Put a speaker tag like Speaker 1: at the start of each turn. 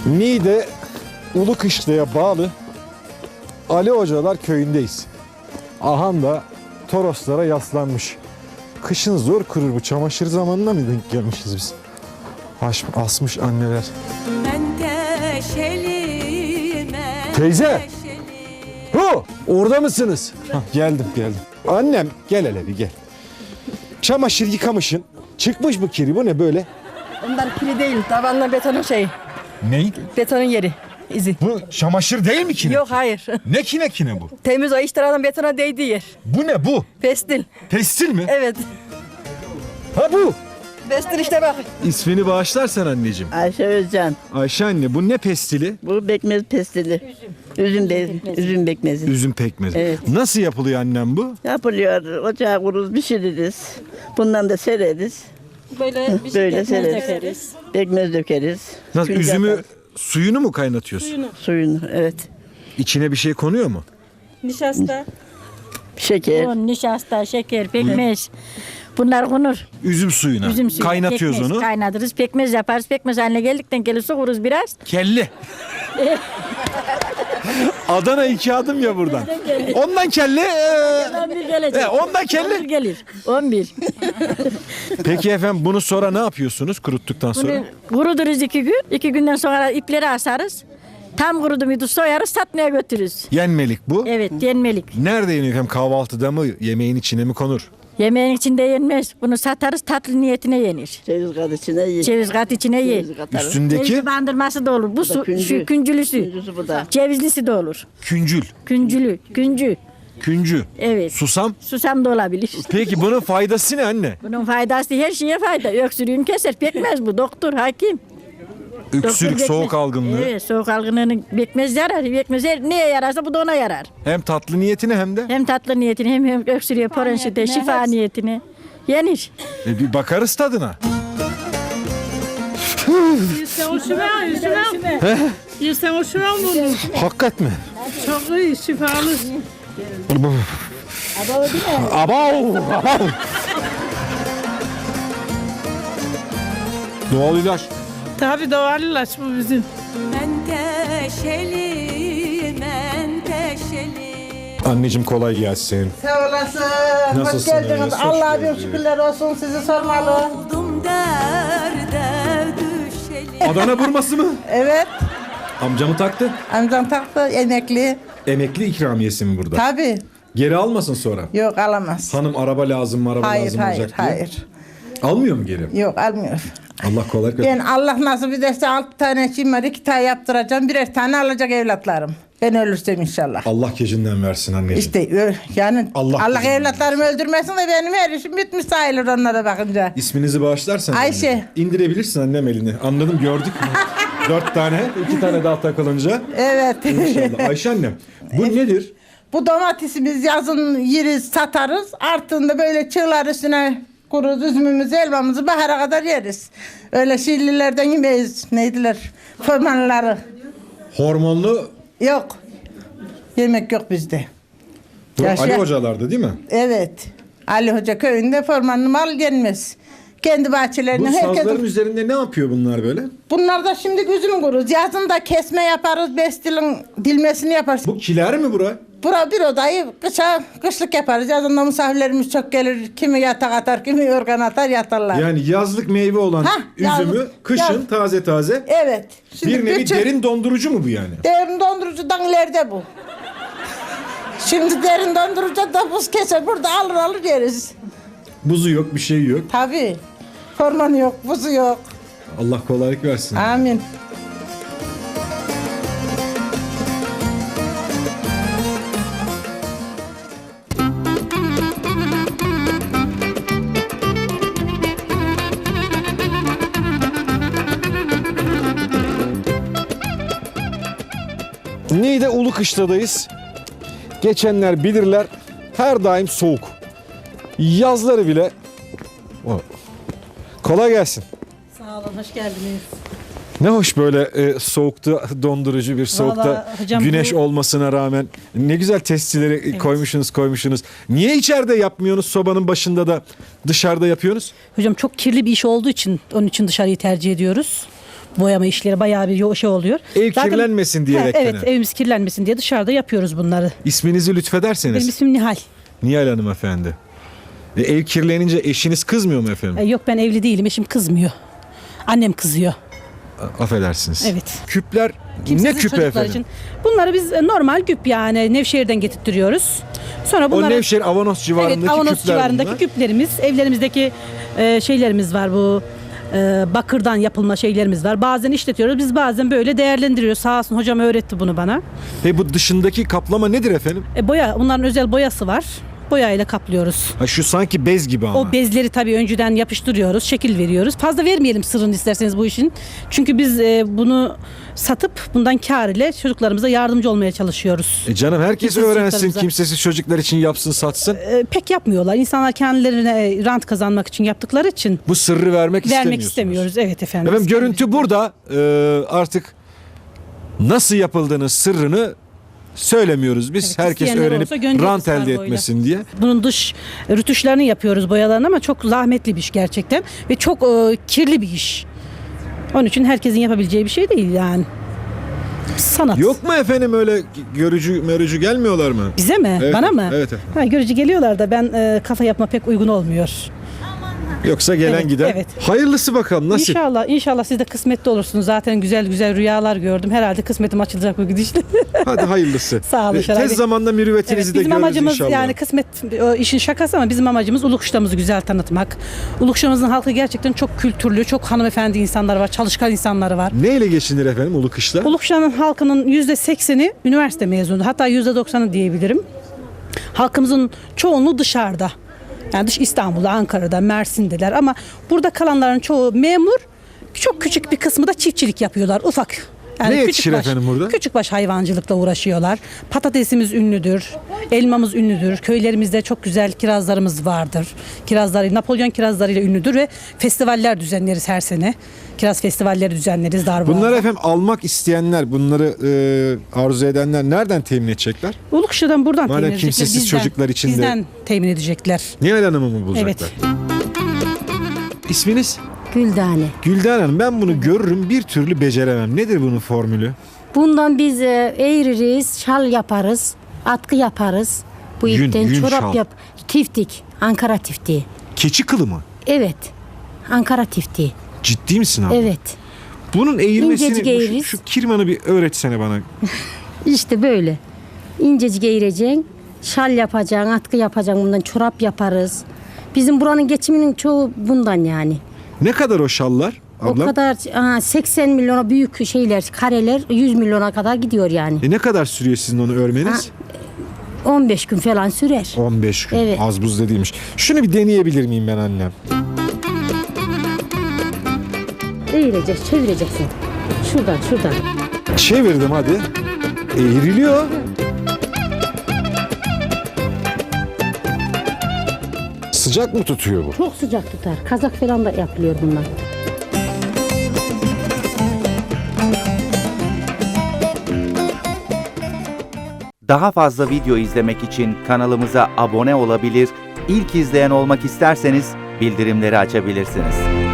Speaker 1: Niğde Ulukışla'ya bağlı Ali Hocalar köyündeyiz. Ahan da Toroslara yaslanmış. Kışın zor kurur bu. Çamaşır zamanına mı denk gelmişiz biz? Asmış anneler. Teyze! Hu! Orada mısınız? Hah, geldim. Annem gel hele bir gel. Çamaşır yıkamışsın. Çıkmış bu kiri. Bu ne böyle?
Speaker 2: Onlar kiri değil. Tavanla betonun şeyi.
Speaker 1: Ney?
Speaker 2: Betonun yeri. İzi.
Speaker 1: Bu çamaşır değil mi kine?
Speaker 2: Yok hayır.
Speaker 1: Ne kine bu?
Speaker 2: Temiz o iştiradan betona değdiği yer.
Speaker 1: Bu ne bu?
Speaker 2: Pestil.
Speaker 1: Pestil mi?
Speaker 2: Evet.
Speaker 1: Ha bu.
Speaker 2: Pestil işte bak.
Speaker 1: İsmini bağışlarsan anneciğim.
Speaker 3: Ayşe Özcan.
Speaker 1: Ayşe anne bu ne pestili?
Speaker 3: Bu bekmez pestili. Üzüm bekmezi.
Speaker 1: Üzüm pekmezi.
Speaker 3: Evet.
Speaker 1: Nasıl yapılıyor annem bu?
Speaker 3: Yapılıyor. Ocağa kuruz, pişiririz. Bundan da sereriz.
Speaker 4: Böyle bir
Speaker 3: Böyle
Speaker 4: ekmek
Speaker 3: sereriz.
Speaker 4: dökeriz.
Speaker 3: Bekmez dökeriz.
Speaker 1: Nasıl
Speaker 3: Fincan
Speaker 1: üzümü
Speaker 3: atarız.
Speaker 1: suyunu mu kaynatıyorsun?
Speaker 3: Suyunu, evet.
Speaker 1: İçine bir şey konuyor mu?
Speaker 4: Nişasta.
Speaker 3: Şeker.
Speaker 4: Un, nişasta, şeker, pekmez. Bunlar konur.
Speaker 1: Üzüm suyuna.
Speaker 4: Üzüm suyu.
Speaker 1: Kaynatıyoruz
Speaker 4: pekmez,
Speaker 1: onu.
Speaker 4: Kaynatırız. Pekmez yaparız. Pekmez haline geldikten gelip sokuruz biraz.
Speaker 1: Kelle. Adana 2 adım ya buradan. Ondan kelle.
Speaker 4: 11 gelecek.
Speaker 1: Ondan kelle.
Speaker 4: 11 gelir. 11.
Speaker 1: Peki efendim bunu sonra ne yapıyorsunuz kuruttuktan sonra?
Speaker 4: Bunu kuruduruz 2 gün. 2 günden sonra ipleri asarız. Tam kurudu muydu soyarız, satmaya götürürüz.
Speaker 1: Yenmelik bu.
Speaker 4: Evet, yenmelik.
Speaker 1: Nerede yeniyor efendim? Kahvaltıda mı? Yemeğin içine mi konur?
Speaker 4: Yemeğin içinde yenmez. Bunu satarız, tatlı niyetine yenir.
Speaker 3: Ceviz kat içine ye.
Speaker 4: Ceviz kat içine ye.
Speaker 3: Ceviz katarız.
Speaker 1: Üstündeki
Speaker 4: Ceviz bandırması da olur. Bu
Speaker 3: da küncü.
Speaker 4: şu küncülüsü.
Speaker 3: Küncüsü bu da.
Speaker 4: Cevizlisi de olur.
Speaker 1: küncül.
Speaker 4: Küncü.
Speaker 1: Küncü.
Speaker 4: Evet.
Speaker 1: Susam.
Speaker 4: Susam da olabilir.
Speaker 1: Peki bunun faydası ne anne?
Speaker 4: Bunun faydası her şeye fayda. Öksürüğün keser. Pekmez bu. Doktor, hakim.
Speaker 1: Öksürük,
Speaker 4: Doktor
Speaker 1: soğuk
Speaker 4: pekmez.
Speaker 1: algınlığı.
Speaker 4: Evet, soğuk algınlığının pekmez yarar. Pekmez neye yararsa bu da ona yarar.
Speaker 1: Hem tatlı niyetine hem de.
Speaker 4: Hem tatlı niyetine hem öksürüğe, poronşite, şifa niyetine yenir.
Speaker 1: Bir bakarız tadına.
Speaker 5: Sen hoşuma bunu.
Speaker 1: Hakikat mi?
Speaker 5: Çok iyi, şifalı.
Speaker 1: Abav! Doğal ilaç.
Speaker 5: Tabii doğal ilaç bu bizim.
Speaker 1: Anneciğim kolay gelsin.
Speaker 6: Sağ olasın.
Speaker 1: Nasılsınız?
Speaker 6: Hoş geldiniz.
Speaker 1: Hoş
Speaker 6: Allah'a
Speaker 1: geldiniz.
Speaker 6: bir şükürler olsun, sizi sormalı.
Speaker 1: Adana burması mı?
Speaker 6: Evet.
Speaker 1: Amcamı taktı.
Speaker 6: Amcam taktı, emekli.
Speaker 1: Emekli ikramiyesi mi burada?
Speaker 6: Tabii.
Speaker 1: Geri almasın sonra.
Speaker 6: Yok, alamaz.
Speaker 1: Hanım araba lazım mı araba
Speaker 6: Hayır,
Speaker 1: lazım
Speaker 6: hayır,
Speaker 1: olacak diye.
Speaker 6: hayır.
Speaker 1: Almıyor mu geri?
Speaker 6: Yok, almıyor.
Speaker 1: Allah kolaylık versin.
Speaker 6: Ben Allah nasip ederse 6 tane şeyim var, 2 tane yaptıracağım, birer tane alacak evlatlarım. Ben ölürsem inşallah.
Speaker 1: Allah gecinden versin anneciğim.
Speaker 6: İşte yani
Speaker 1: Allah
Speaker 6: Allah
Speaker 1: bizim
Speaker 6: evlatlarımı öldürmesin de benim her işim bitmiş sayılır onlara bakınca.
Speaker 1: İsminizi bağışlarsan.
Speaker 6: Ayşe.
Speaker 1: anneciğim. İndirebilirsin annem elini. Anladım gördük. 4 tane, 2 tane daha takılınca.
Speaker 6: Evet.
Speaker 1: İnşallah. Ayşe annem bu nedir?
Speaker 6: Bu domatesimiz yazın yeriz, satarız. Artığında böyle çığlar üstüne kuruz, üzümümüzü, elmamızı bahara kadar yeriz. Öyle şillilerden yemeyiz. Neydiler? Fırmanları.
Speaker 1: Hormonlu
Speaker 6: Yok. Yemek yok bizde.
Speaker 1: bu
Speaker 6: Yaşa.
Speaker 1: Ali hocalarda değil mi?
Speaker 6: Evet. Ali Hoca köyünde formanlı mal gelmez. Kendi
Speaker 1: Bu
Speaker 6: bahçelerine
Speaker 1: sazların
Speaker 6: herkes...
Speaker 1: üzerinde ne yapıyor bunlar böyle?
Speaker 6: Bunlar da şimdi üzüm kuruz. Yazın da kesme yaparız, bestilin dilmesini yaparız.
Speaker 1: Bu kiler mi bura?
Speaker 6: Bura bir odayı kışlık yaparız. Yazında misafirlerimiz çok gelir. Kimi yatak atar, kimi yorgan atar, yatarlar.
Speaker 1: Yani yazlık meyve olan
Speaker 6: Hah,
Speaker 1: üzümü
Speaker 6: yazlık,
Speaker 1: kışın
Speaker 6: yazlık.
Speaker 1: taze taze.
Speaker 6: Evet.
Speaker 1: Bir nevi derin dondurucu mu bu yani?
Speaker 6: Derin dondurucudan ileride bu. Şimdi derin dondurucu da buz keser. Burada alır yeriz.
Speaker 1: Buzu yok, bir şey yok.
Speaker 6: Tabii. Formanı yok, buzu yok.
Speaker 1: Allah kolaylık versin.
Speaker 6: Amin.
Speaker 1: Niğde Ulukışla'dayız. Geçenler bilirler her daim soğuk. Yazları bile. Kolay gelsin.
Speaker 7: Sağ olun, hoş geldiniz.
Speaker 1: Ne hoş böyle soğukta dondurucu bir soğukta
Speaker 7: Vallahi hocam
Speaker 1: güneş
Speaker 7: bu-
Speaker 1: olmasına rağmen ne güzel testileri koymuşsunuz. Niye içeride yapmıyorsunuz sobanın başında da dışarıda yapıyorsunuz?
Speaker 7: Hocam çok kirli bir iş olduğu için onun için dışarıyı tercih ediyoruz. Boyama işleri bayağı bir şey oluyor.
Speaker 1: Ev kirlenmesin diyerekten.
Speaker 7: Evet, evimiz kirlenmesin diye dışarıda yapıyoruz bunları.
Speaker 1: İsminizi lütfederseniz.
Speaker 7: Benim ismim Nihal.
Speaker 1: Nihal Hanım efendi. Ev kirlenince eşiniz kızmıyor mu efendim?
Speaker 7: Yok, ben evli değilim. Eşim kızmıyor. Annem kızıyor.
Speaker 1: Affedersiniz.
Speaker 7: Evet.
Speaker 1: Küpler
Speaker 7: Kimsesiz
Speaker 1: ne küpü
Speaker 7: çocuklar
Speaker 1: efendim?
Speaker 7: için. Bunları biz normal küp, yani Nevşehir'den getirtiyoruz. Sonra
Speaker 1: O
Speaker 7: bunları
Speaker 1: Nevşehir Avanos civarındaki
Speaker 7: evet, Avanos
Speaker 1: küpler
Speaker 7: civarındaki
Speaker 1: bunlar.
Speaker 7: küplerimiz, evlerimizdeki şeylerimiz var, bu bakırdan yapılma şeylerimiz var. Bazen işletiyoruz, biz bazen böyle değerlendiriyoruz. Sağ olsun hocam öğretti bunu bana.
Speaker 1: Bu dışındaki kaplama nedir efendim?
Speaker 7: Boya, bunların özel boyası var. Boyayla kaplıyoruz.
Speaker 1: Ha, şu sanki bez gibi ama.
Speaker 7: O bezleri tabii önceden yapıştırıyoruz, şekil veriyoruz. Fazla vermeyelim sırrını isterseniz bu işin. Çünkü biz bunu satıp bundan kar ile çocuklarımıza yardımcı olmaya çalışıyoruz.
Speaker 1: Canım herkes
Speaker 7: Kimsesiz
Speaker 1: öğrensin,
Speaker 7: çocuklarımıza.
Speaker 1: kimsesiz çocuklar için yapsın, satsın.
Speaker 7: Pek yapmıyorlar. İnsanlar kendilerine rant kazanmak için yaptıkları için
Speaker 1: Bu sırrı vermek
Speaker 7: istemiyoruz. Evet efendim.
Speaker 1: Efendim
Speaker 7: Biz
Speaker 1: görüntü burada. Artık nasıl yapıldığını, sırrını söylemiyoruz biz.
Speaker 7: Evet,
Speaker 1: herkes
Speaker 7: isteyenler
Speaker 1: öğrenip
Speaker 7: olsa göndeririz
Speaker 1: rant elde
Speaker 7: kargoyla.
Speaker 1: etmesin diye.
Speaker 7: Bunun dış rütuşlarını yapıyoruz, boyalarını, ama çok zahmetli bir iş gerçekten ve çok kirli bir iş. Onun için herkesin yapabileceği bir şey değil yani. Sanat.
Speaker 1: Yok mu efendim öyle görücü gelmiyorlar mı?
Speaker 7: Bize mi?
Speaker 1: Evet,
Speaker 7: Bana mı?
Speaker 1: evet efendim.
Speaker 7: Ha, görücü geliyorlar da ben kafa yapma pek uygun olmuyor.
Speaker 1: Yoksa gelen
Speaker 7: Evet,
Speaker 1: giden.
Speaker 7: evet.
Speaker 1: Hayırlısı bakalım nasip.
Speaker 7: İnşallah siz de kısmetli olursunuz. Zaten güzel rüyalar gördüm. Herhalde kısmetim açılacak bu gidişle.
Speaker 1: Hadi hayırlısı.
Speaker 7: Sağ olun Şeray Bey.
Speaker 1: Tez zamanda mürüvvetinizi de
Speaker 7: Bizim
Speaker 1: görürüz
Speaker 7: amacımız
Speaker 1: inşallah.
Speaker 7: yani kısmet o işin şakası, ama bizim amacımız Ulukuş'tamızı güzel tanıtmak. Ulukuş'tamızın halkı gerçekten çok kültürlü, çok hanımefendi insanlar var, çalışkan insanları var.
Speaker 1: Neyle geçinir efendim Ulukış'ta?
Speaker 7: Ulukuş'un halkının %80'i üniversite mezunu. Hatta %90'ı diyebilirim. Halkımızın çoğunluğu dışarıda. Yani İstanbul'da, Ankara'da, Mersin'deler, ama burada kalanların çoğu memur. Çok küçük bir kısmı da çiftçilik yapıyorlar, ufak.
Speaker 1: Ne yetişir efendim burada?
Speaker 7: Küçükbaş hayvancılıkla uğraşıyorlar. Patatesimiz ünlüdür, elmamız ünlüdür. Köylerimizde çok güzel kirazlarımız vardır. Kirazları, Napolyon kirazlarıyla ünlüdür ve festivaller düzenleriz her sene. Kiraz festivalleri düzenleriz Darboğaz'da.
Speaker 1: Bunları efendim almak isteyenler, bunları arzu edenler nereden temin edecekler?
Speaker 7: Ulukuş'tan buradan
Speaker 1: Madem
Speaker 7: temin edecekler.
Speaker 1: kimsesiz çocuklar için de-
Speaker 7: Bizden temin edecekler.
Speaker 1: Nihal Hanım'ı mı bulacaklar?
Speaker 7: Evet.
Speaker 1: İsminiz?
Speaker 8: Güldane.
Speaker 1: Gülden Hanım, ben bunu görürüm bir türlü beceremem. Nedir bunun formülü?
Speaker 8: Bundan biz eğririz, şal yaparız, atkı yaparız. Bu
Speaker 1: Yün
Speaker 8: ipten çorap
Speaker 1: şal.
Speaker 8: yap. Tiftik, Ankara tiftiği.
Speaker 1: Keçi kılı mı?
Speaker 8: Evet, Ankara tiftiği.
Speaker 1: Ciddi misin abi?
Speaker 8: Evet.
Speaker 1: Bunun eğilmesini,
Speaker 8: İncecik eğeriz.
Speaker 1: şu kirmanı bir öğretsene bana.
Speaker 8: İşte böyle. İncecik eğireceksin, şal yapacaksın, atkı yapacaksın, bundan çorap yaparız. Bizim buranın geçiminin çoğu bundan yani.
Speaker 1: Ne kadar o şallar?
Speaker 8: O
Speaker 1: Ablam?
Speaker 8: kadar 80 milyona büyük şeyler, kareler 100 milyona kadar gidiyor yani.
Speaker 1: Ne kadar sürüyor sizin onu örmeniz?
Speaker 8: 15 gün falan sürer.
Speaker 1: 15 gün.
Speaker 8: Evet.
Speaker 1: Az buz da değilmiş. Şunu bir deneyebilir miyim ben annem?
Speaker 8: Eğireceksin, çevireceksin. Şuradan.
Speaker 1: Çevirdim hadi. Eğriliyor. Sıcak mı tutuyor bu?
Speaker 8: Çok sıcak tutar. Kazak falan da yapılıyor bundan.
Speaker 9: Daha fazla video izlemek için kanalımıza abone olabilir, ilk izleyen olmak isterseniz bildirimleri açabilirsiniz.